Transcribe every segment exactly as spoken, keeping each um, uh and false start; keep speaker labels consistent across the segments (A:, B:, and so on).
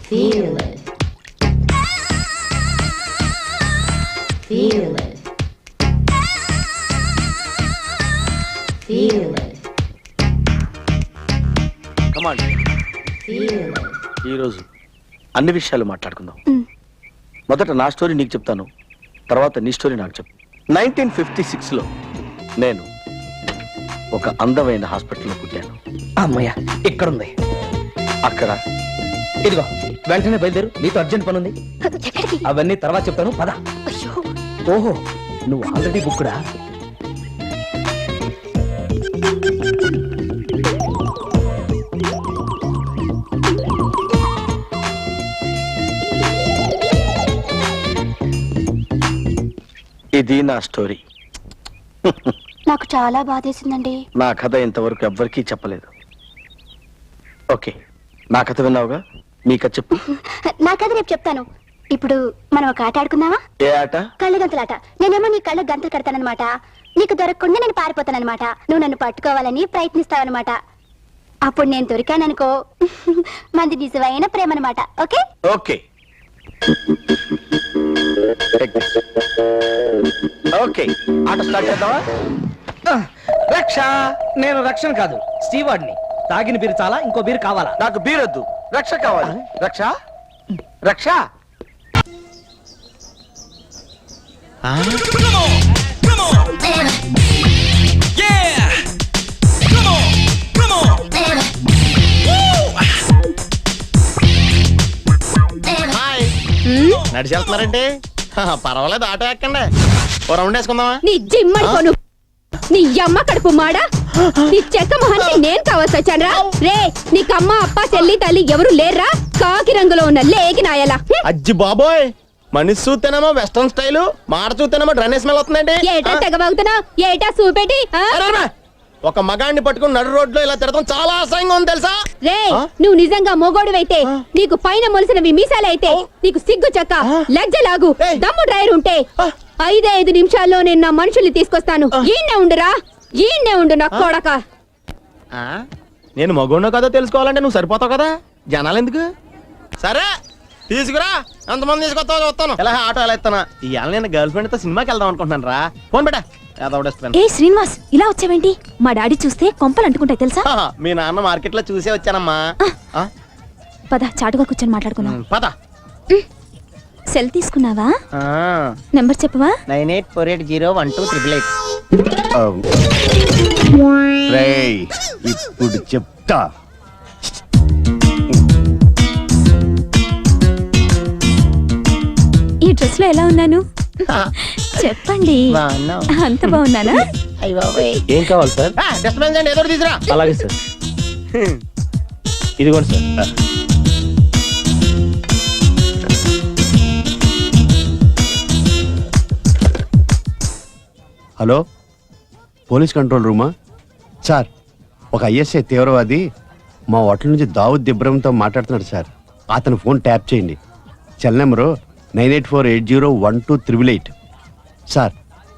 A: Feel it. Feel it. Feel it.
B: Come on.
A: Feel it.
B: ఈ రోజు అన్ని విషయాలు మాట్లాడుకుందాం. మొదట నా స్టోరీ నీకు చెప్తాను, తర్వాత నీ స్టోరీ నాకు చెప్పు. నైన్టీన్ ఫిఫ్టీ సిక్స్ లో నేను ఒక అందమైన హాస్పిటల్లో పుట్టాను.
C: అమ్మయ్య ఇక్కడుంది.
B: అక్కడ
C: ఇదిగో వెంటనే బయలుదేరు, నీతో అర్జెంట్ పని ఉంది. అవన్నీ తర్వాత చెప్తాను, పద. ఓహో నువ్వు ఆల్రెడీ బుక్కుడా?
B: ఇది నా స్టోరీ.
D: నాకు చాలా బాధేసిందండి.
B: నా కథ ఇంతవరకు ఎవ్వరికీ చెప్పలేదు. ఓకే, నా కథ విన్నావుగా, మీ కథ చెప్పు.
D: నా కథ రేపు చెప్తాను. ఇప్పుడు మనం ఒక ఆట ఆడుకుందామా?
B: ఏ ఆట?
D: కళ్ళ గంతలాట. నేనేమో నీ కళ్ళ గంతలు కడతానన్నమాట, నీకు దొరకకుండా నేను పారిపోతానన్నమాట. నువ్వు నన్ను పట్టుకోవాలని ప్రయత్నిస్తావన్నమాట. అప్పుడు నేను దొరికాననుకో, మంది నిజమైన ప్రేమ అన్నమాట. ఓకే
B: ఓకే ఓకే ఆట స్టార్ట్ చేద్దామా?
C: రక్ష, నేను రక్షణ కాదు, స్టీవార్డ్ని. తాగిన బీరు చాలా, ఇంకో బీరు కావాలా?
B: నాకు బీరొద్దు, రక్ష కావాలి. రక్ష రక్ష
E: నడిచి వెళ్తున్నారంటే పర్వాలేదు, ఆటో ఎక్కండి, ఓ రౌండ్ వేసుకుందామా?
F: నీ జిమ్మడిపోను, నీ అమ్మ కడుపు మాడా, నీ చెక్క మొహానికి నేను కావాల్సి వచ్చానరా? రే, నీకు అమ్మ అప్ప చెల్లి తల్లి ఎవరు లేర్రా? కాకి రంగులో ఉన్న లేకి నాయలా.
E: అజ్జి బాబోయ్, మనిషి చూస్తేనేమో వెస్టర్న్ స్టైల్, మాట చూస్తేనేమో డ్రైనేజ్ స్మెల్ వస్తుందండి.
F: ఏటా తెగబాగుతున్నా, ఏటా చూపెట్టి.
E: ఒక మగాడిని పట్టుకుని నడు రోడ్లో ఇలా తిరగడం చాలా అసహ్యంగా ఉంది తెలుసా?
F: రే, నువ్వు నిజంగా మొగోడువైతే, నీకు పైన మొలిసినవి మీసాలైతే, నీకు సిగ్గు చెక్క లజ్జలాగు దమ్ము డ్రైవర్ ఉంటే ఐదే ఐదు నిమిషాల్లో నేను నా మనుషుల్ని తీసుకొస్తాను. ఈయన్నే ఉండురా, ఈయన్నే ఉండు నా కొడక.
E: నేను మగోడో కదా తెలుసుకోవాలంటే నువ్వు సరిపోతావు కదా, జనాలు ఎందుకు? సరే తీసుకురా, ఎంతమంది తీసుకొస్తావు చూస్తాను. ఇలా ఆటో ఎలా ఇస్తానా? ఇవాళ నేను గర్ల్ ఫ్రెండ్ తో సినిమాకి వెళ్దాం అనుకుంటున్నాను రా. ఫోన్ పెట్టా.
F: ఏ శ్రీనివాస్, ఇలా వచ్చావేంటి? మా డాడీ చూస్తే కొంపలు అంటుకుంటాయి తెలుసా?
E: మీ నాన్న మార్కెట్ లో చూసే వచ్చానమ్మా.
F: పద, చాటుగా కూర్చొని మాట్లాడుకున్నాం.
E: పద.
F: సెల్ తీసుకున్నావా? నెంబర్ చెప్పవా?
E: Nine eight four eight zero one two triple eight.
G: ఇప్పుడు చెప్తా.
F: ఈ డ్రెస్ లో ఎలా ఉన్నాను చెప్పండి. అంత బాగున్నానా?
C: ఏం కావాలి సార్?
E: డిస్టర్బెన్స్ అండి, ఏదో తీసురా.
C: అలాగే సార్. ఇదిగోండి సార్.
G: హలో, పోలీస్ కంట్రోల్ రూమా? సార్, ఒక ఐఎస్ఐ తీవ్రవాది మా హోటల్ నుంచి దావుద్ ఇబ్రహంతో మాట్లాడుతున్నాడు సార్. అతను ఫోన్ ట్యాప్ చేయండి. Cell number nine eight four eight zero one two triple eight. Sir,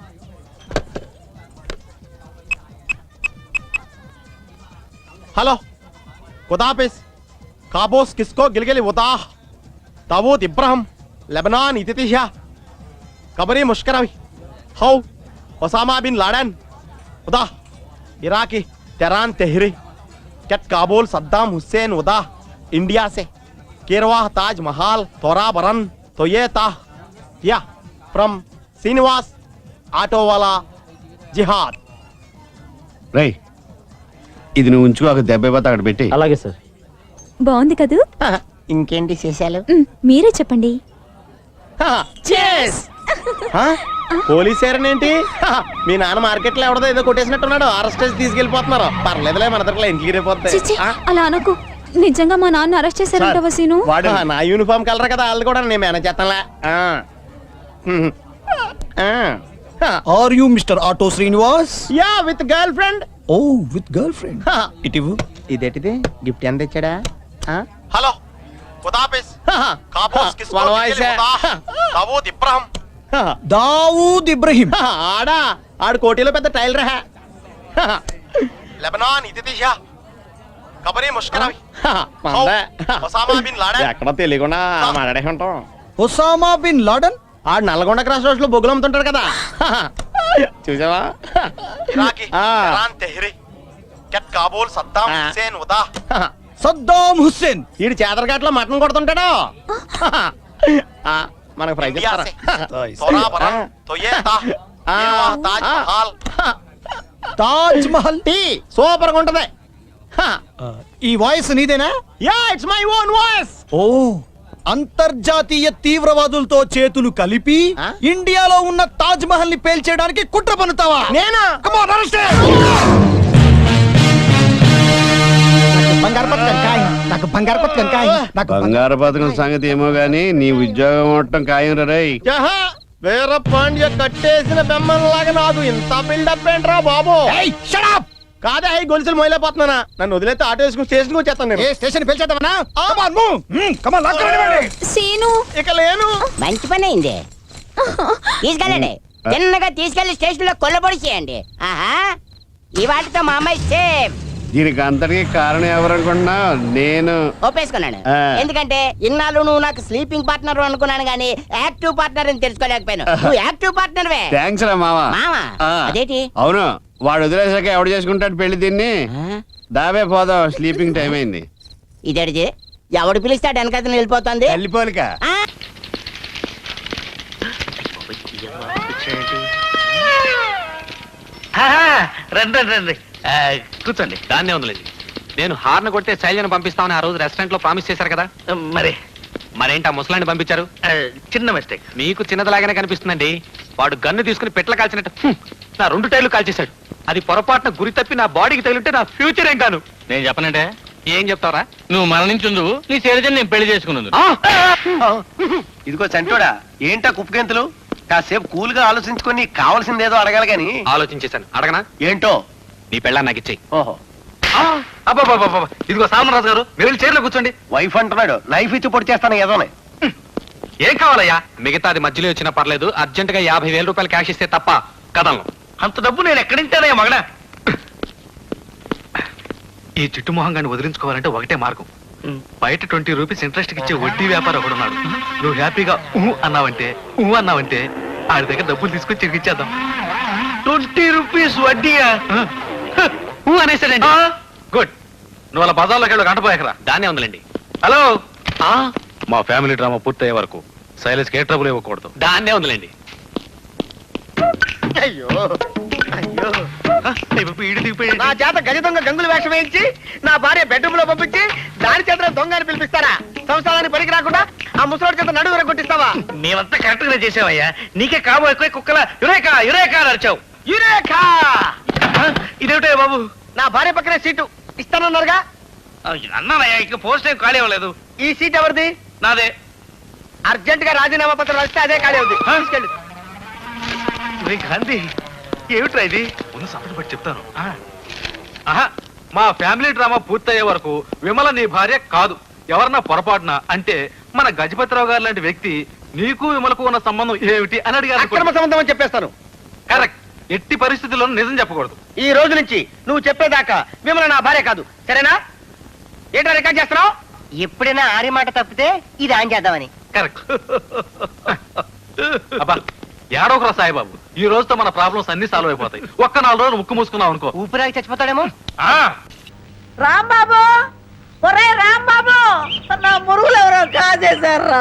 E: hello, ఖుదాఫిజ్. కాబోస్ కిస్కో గిల్గిలి ఉతాహ్ దావూద్ ఇబ్రహం లెబనాన్ ఇతితిహా కబరీ ముష్కరవి హౌ ఒసామా బిన్ లాడెన్ ఉదా ఇరాकी तेहरान तेहरी कैट काबुल सद्दाम हुसैन उदा इंडिया से केरवा ताज महाल तोरा बरन तो ये ताह या फ्रॉम श्रीनिवास ఆటో వాలా జిహాద్.
G: రై, ఇది నువ్వు ఉంచుకో, ఒక దెబ్బ పోతే అక్కడ పెట్టి.
C: అలాగే సార్.
F: బాగుంది కదూ?
E: ఇంకేంటి చేశాలు?
F: మీరే చెప్పండి.
E: పోలీసేరనేంటి? మీ నాన్న మార్కెట్ లో ఎవడదో ఏదో కొట్టేసినట్టున్నాడు, అరెస్ట్ చేసి తీసుకెళ్లిపోతున్నారు. పర్లేదులే, మన దగ్గర ఇంటికి రేపోతాయి.
F: అలా అనకు, నిజంగా మా నాన్న అరెస్ట్ చేశారంట వసీను.
E: వాడు నా యూనిఫామ్ కలర్ కదా, వాళ్ళు కూడా నేను మేనేజ్ చేస్తానులే.
H: Are you Mister Auto Srinivas?
E: Yeah, with girlfriend.
H: Oh, with girlfriend. Itivu.
E: ఇదేటిది? గిఫ్ట్ ఎంత ఇచ్చాడా? హలో, ఖుదాఫిజ్. కాబోస్ కిస్కో గిల్గిలి ఉతాహ్ దావూద్ ఇబ్రహం.
H: దావూద్ ఇబ్రహీం.
E: ఆడా, ఆడు కోటిలో పెద్ద టైలర్. లెబనాన్ ఇతితిహా
I: खबरें मुश्किल आई
E: మందే.
I: ఒసామా బిన్ లాడెన్
E: ఎక్కడ తెలియకుండా మాట్లాడే ఉంటాం.
H: Osama bin Laden?
E: ఆడు నల్గొండ క్రాస్ రోడ్స్ లో బొగ్గులు అమ్ముతుంటాడు కదా చూసావా
I: इराकी
E: ఆ.
I: इरान तेहरी कैट काबुल सद्दाम
E: ఆ.
I: हुसैन उदा
H: Saddam Hussein.
E: ఈడు చేదరగాట్లో మటన్ కొడుతుంటాడు ఆ, మనకు ఫ్రై
I: इंडिया
E: చేస్తారా
I: से तोरा बरन तो ये था
E: ఆ.
I: ये वहाँ ताजमहल
H: Taj Mahal.
E: టీ సూపర్ గా ఉంటది
H: ఈ వాయిస్ నీదేనా?
E: Yeah it's my own voice.
H: ఓ అంతర్జాతీయ తీవ్రవాదులతో చేతులు కలిపి
E: ఆ?
H: ఇండియాలో ఉన్న తాజ్ మహల్ ని పేల్చేయడానికి కుట్ర పన్నుతావా?
E: నేనా
H: Come on, arrest him! బంగారు పథకం కాయ నాకు బంగారు పథకం కాయ నాకు
G: బంగారు పథకం సంగతి ఏమో గానీ నీ ఉద్యోగం అవటం ఖాయం రే.
E: జహా వీర పాండ్య కట్టేసిన బెమ్మలాగా నాకు ఇంత బిల్డప్ ఏంట్రా బాబు.
H: ఏయ్, shut up!
E: కాదే అయి గొలుసులు మొయలేకపోతున్నానా. నన్ను వదిలేస్తే ఆటో వేసుకుని స్టేషన్కి వచ్చేస్తాను నేను.
H: ఏ స్టేషన్ పేల్చేద్దామనా? Come on, move! Hmm, come on, lock కరండి.
F: సీను
E: ఇక లేను.
J: మంచి పని అయింది తీసుకెళ్ళండి చిన్నగా తీసుకెళ్లి స్టేషన్ లో కొల్లబొడి చేయండి ఆహా ఈ వాటితో మా అమ్మాయి సేఫ్
G: దీనికి అంతటికి కారణం ఎవరనుకున్నా నేను.
J: ఒప్పేసుకున్నాను
G: ఆ.
J: ఎందుకంటే ఇన్నాళ్ళు నువ్వు నాకు స్లీపింగ్ పార్ట్నర్ అనుకున్నాను గానీ యాక్టివ్ పార్ట్నర్ అని తెలుసుకోలేకపోయాను నువ్వు యాక్టివ్ పార్ట్నర్ వే
G: థ్యాంక్స్ రా మావా.
J: మావా
G: ఆ.
J: అదేంటి
G: అవును, వాడు వదిలేసాక ఎవడు చేసుకుంటాడు పెళ్లి దీన్ని.
J: ఆ?
G: దాబే పోదాం, స్లీపింగ్ టైం అయింది.
J: ఇదేడిది ఎవడు పిలిస్తాడు వెనకతను వెళ్ళిపోతుంది
G: వెళ్ళిపోలిక.
J: ఆ?
K: రండి రండి రండి ఆ, కూర్చోండి. దాన్నే ఉందిలేండి. నేను హార్న్ కొడితే శైలిని పంపిస్తామని ఆ రోజు రెస్టారెంట్ లో ప్రామిస్ చేశారు కదా. మరి మరేంటి ఆ ముసలాన్ని పంపించారు? చిన్న మిస్టేక్. మీకు చిన్నదిలాగానే కనిపిస్తుందండి. వాడు గన్ను తీసుకుని పెట్ల కాల్చినట్టు హ్మ్, నా రెండు టైర్లు కాల్చేశాడు. అది పొరపాటున గురి తప్పి నా బాడీకి తగిలింటే నా ఫ్యూచర్ ఏం కాను. నేను చెప్పనంటే ఏం చెప్తావరా? నువ్వు మరణించుందు నీ శైలజని నేను పెళ్లి చేసుకున్నాను.
I: ఇదిగో చంటోడా ఏంటా కుప్పగెంతులు కాసేపు కూల్ గా ఆలోచించుకొని కావాల్సిందేదో అడగాలి గాని
K: ఆలోచించేశాను. అడగనా?
I: ఏంటో
K: నీ పెళ్ళాన్ని నాకు ఇచ్చేయి.
I: ఓహో
K: అబ్బాబాబా ఇదిగో సామరాజు గారు మీరు వెళ్ళి చైర్లో కూర్చోండి.
I: వైఫ్ అంటున్నాడు నైఫ్ ఇచ్చి పొడి చేస్తాను ఏదోనే
K: ఏం కావాలయ్యా? మిగతాది మధ్యలో వచ్చినా పర్లేదు. అర్జెంట్ గా యాభై వేల రూపాయలు క్యాష్ ఇస్తే తప్ప కదలను. అంత డబ్బు నేను ఎక్కడింటానయ్యా మగడా? ఈ చిట్టు మొహంగాన్ని వదిలించుకోవాలంటే ఒకటే మార్గం. బయట ట్వంటీ రూపీస్ ఇంట్రెస్ట్ ఇచ్చే వడ్డీ వ్యాపారం ఒకడు ఉన్నాడు. నువ్వు హ్యాపీగా ఊ అన్నావంటే ఊ అన్నావంటే ఆడి దగ్గర డబ్బులు తీసుకొని తిరిగిచ్చేద్దాం. Twenty rupees వడ్డీయా? ఊ అనేసాడండి. గుడ్. నువ్వు అలా బజార్లోకి వెళ్ళి గంటపోయాకరా. దాన్నే ఉందిలేండి. హలో, మా ఫ్యామిలీ డ్రామా పూర్తయ్యే వరకు శైలేష్ ఏ ట్రబుల్ ఇవ్వకూడదు. దాన్నే ఉందిలేండి.
E: అయ్యో అయ్యో
K: ఈడు దిగిపోయాడు.
E: నా చేత గజ దొంగ గంగులు వేషం వేయించి నా భార్య బెడ్రూమ్ లో పంపించి దాని చేత దొంగ అని పిలిపిస్తారా? సంసారానికి పనికి రాకుండా ఆ ముసలోడి చేత నడువు కొట్టిస్తావా?
K: మేమంతా కరెక్ట్ గా చేసావయ్యా. నీకే కాబోయే ఎక్కువ కుక్కల యురేకా యురేకా అని అరిచావు.
E: యురేఖా!
K: ఇదేమిటో బాబు?
E: నా భార్య పక్కనే సీటు ఇస్తానన్నారుగా.
K: అన్నానయ్యా, ఇక పోస్ట్ ఏం ఖాళీ అవ్వలేదు.
E: ఈ సీట్ ఎవరిది?
K: నాదే.
E: అర్జెంట్ గా రాజీనామా పత్రం వస్తే అదే ఖాళీ అవుతుంది. తీసుకెళ్ళి
K: గాంధీ ఏమిట్రా ఇది? ముందు సపరేట్ పట్టి చెప్తాను. ఆహా, మా ఫ్యామిలీ డ్రామా పూర్తయ్యే వరకు విమల నీ భార్య కాదు. ఎవరన్నా పొరపాటున అంటే మన గజపతిరావు గారు లాంటి వ్యక్తి నీకు విమలకు ఉన్న సంబంధం ఏమిటి అని అడిగారు.
E: అక్రమ సంబంధం అని చెప్పేస్తాను.
K: కరెక్ట్. ఎట్టి పరిస్థితుల్లోనూ నిజం చెప్పకూడదు.
E: ఈ రోజు నుంచి నువ్వు చెప్పేదాకా మిమ్మల్ని నా భార్య కాదు, సరేనా? ఏంటో రికార్డ్ చేస్తున్నావు? ఎప్పుడైనా ఆరి మాట తప్పితే ఇది ఆన్ చేద్దామని.
K: కరెక్ట్. అబ్బా ఏడోకరా సాయిబాబు, ఈ రోజుతో మన ప్రాబ్లమ్స్ అన్ని సాల్వ్ అయిపోతాయి. ఒక్క నాలుగు రోజులు ముక్కు మూసుకున్నావు అనుకో.
E: ఊపిరాగి చచ్చిపోతాడేమో.
K: ఆ
J: రాంబాబు ఒరే రాంబాబు నా మురుగులు ఎవరో కాజేశారా?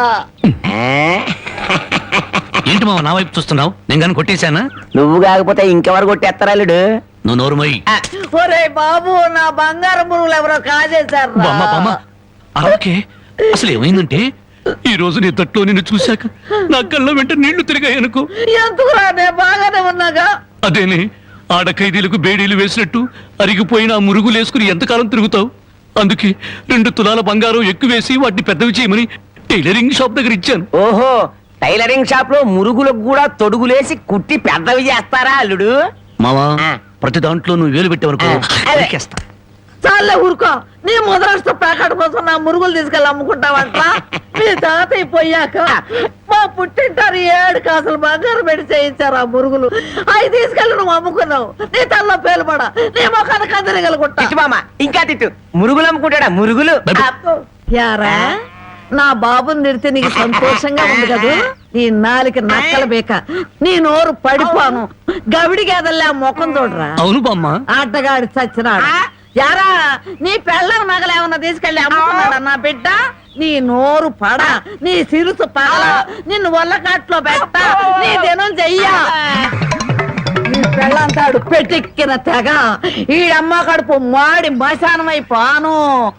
K: ఏంటి మావ నా వైపు చూస్తున్నావు? నేను కానీ కొట్టేశానా?
J: నువ్వు కాకపోతే ఇంకెవరు కొట్టేస్తారాలుడు?
K: నువ్వు నోరు మొయ్యి.
J: ఒరే బాబు నా బంగారు మురుగులు ఎవరో కాజేశారా?
K: అలాగే అసలు ఏమైందంటే ఈ రోజు నీ తట్లో నిన్ను చూశాక నా కళ్ళ వెంట నీళ్లు తిరిగాయనుకో.
J: ఎందుకురా నేను బాగానే ఉన్నాగా.
K: అదేనే ఆడ ఖైదీలకు బేడీలు వేసినట్టు అరిగిపోయిన ఆ మురుగులు వేసుకుని ఎంతకాలం తిరుగుతావు? అందుకే రెండు తులాల బంగారం ఎక్కువేసి వాటిని పెద్దవి చేయమని టైలరింగ్ షాప్ దగ్గర ఇచ్చాను.
J: ఓహో, టైలరింగ్ షాప్ లో మురుగులకు కూడా తొడుగులేసి కుట్టి పెద్దవి చేస్తారా అల్లుడు?
K: మావా ప్రతి దాంట్లో నువ్వు వేలు పెట్టేవనుకో.
J: చాలే ఊరుకో, నీ మొదలస్త ప్యాకెట్ కోసం నా
L: మురుగులు తీసుకెళ్ళి అమ్ముకుంటావంట మీ తాతయ్య పోయాక మా పుట్టింటారు ఏడు కాసులు బంగారం పెట్టి చేయించారు ఆ మురుగులు అవి తీసుకెళ్ళి నువ్వు అమ్ముకున్నావు నీ తల్లో పేలుపడ నీ మొఖాన్ని కందరగలుగుంటా
J: మామ ఇంకా తిట్టు మురుగులు అమ్ముకుంటాడా మురుగులు
L: యారా నా బాబుని నిడితే నీకు సంతోషంగా ఉంది కదూ నీ నాలికి నక్కల బేక నీ నోరు పడిపోను గవిడి గేదల్లా ముఖం చూడరా
C: అవును బామ్మ
L: ఆటగాడి చచ్చినాడు యారా నీ పెళ్ళం నగలేమన్నా తీసుకెళ్ళి అమ్ముకున్నాడా నా బిడ్డ నీ నోరు పడ నీ సిరుసు పగల నిన్ను వల్లకాట్లో పెట్ట నీ దినం చెయ్యా నీ పెళ్ళంతాడు పెట్టెక్కిన తెగ ఈడమ్మ కడుపు మాడి మశానమైపోను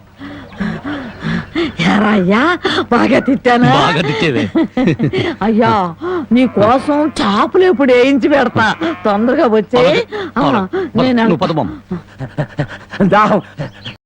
L: యారా అయ్యా బాగా తిట్టానా
C: బాగా తిట్టేవే.
L: అయ్యా నీ కోసం చేపలు ఎప్పుడు వేయించి పెడతా తొందరగా వచ్చి
C: అలాగే.
L: నేను
C: నువ్వు పద బామ్మ.
J: దాహం